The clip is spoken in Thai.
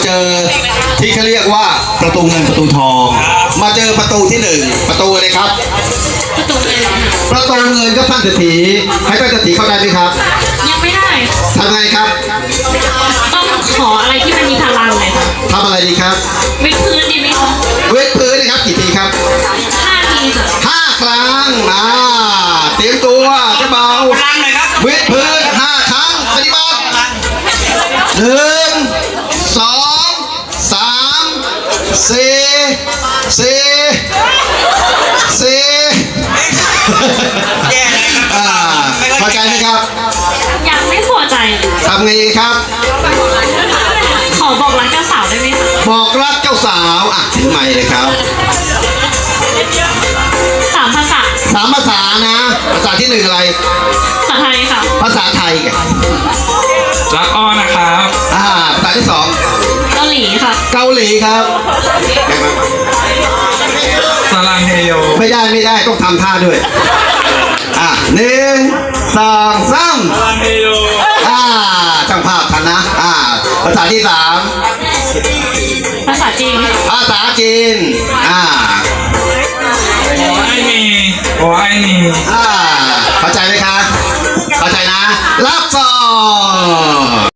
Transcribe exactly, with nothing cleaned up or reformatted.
เจอที่เขาเรียกว่าประตูเงินประตูทอง มาเจอประตูที่หนึ่งประตูอะไรครับประตูเลยประตูเงินก็ท่านเศรษฐีให้ท่านเศรษฐีเข้าใจไหมครับยังไม่ได้ทำไงครับต้องขออะไรที่มันมีพลังเลยค่ะทำอะไรดีครับวิดพื้นดีไหมคะเวทพื้นนะครับกี่ทีครับห้าทีค่ะห้าครั้งอ่าเตรียมตัวจะเบาพลังหน่อยครับเวทพื้นห้าครั้งปฏิบัติหนึ่งสองสามสี่สี่สี่แย่เลยครับอ่าเข้าใจไหมครับยังไม่พอใจเลยทำไงดีครับขอบอกรักเจ้าสาวได้ไหมคะบอกรักเจ้าสาวอ่ะถึงใหม่เลยครับสามภาษาสามภาษานะ ภาษาที่หนึ่งอะไรภาษาไทยค่ะภาษาไทยไงรักอ้อนะครับอ่าภาษาที่สองเกาหลีค่ะเกาหลีครับสลังเฮโยไม่ได้ไม่ได้ต้องทำท่าด้วยอ่ะหนึ่งสองสามสลังเฮโยอ่าช่างภาพทันนะอ่าภาษาที่สามภาษาจีนภาษาจีนอ่าโอไอนีโอไอนีอ่า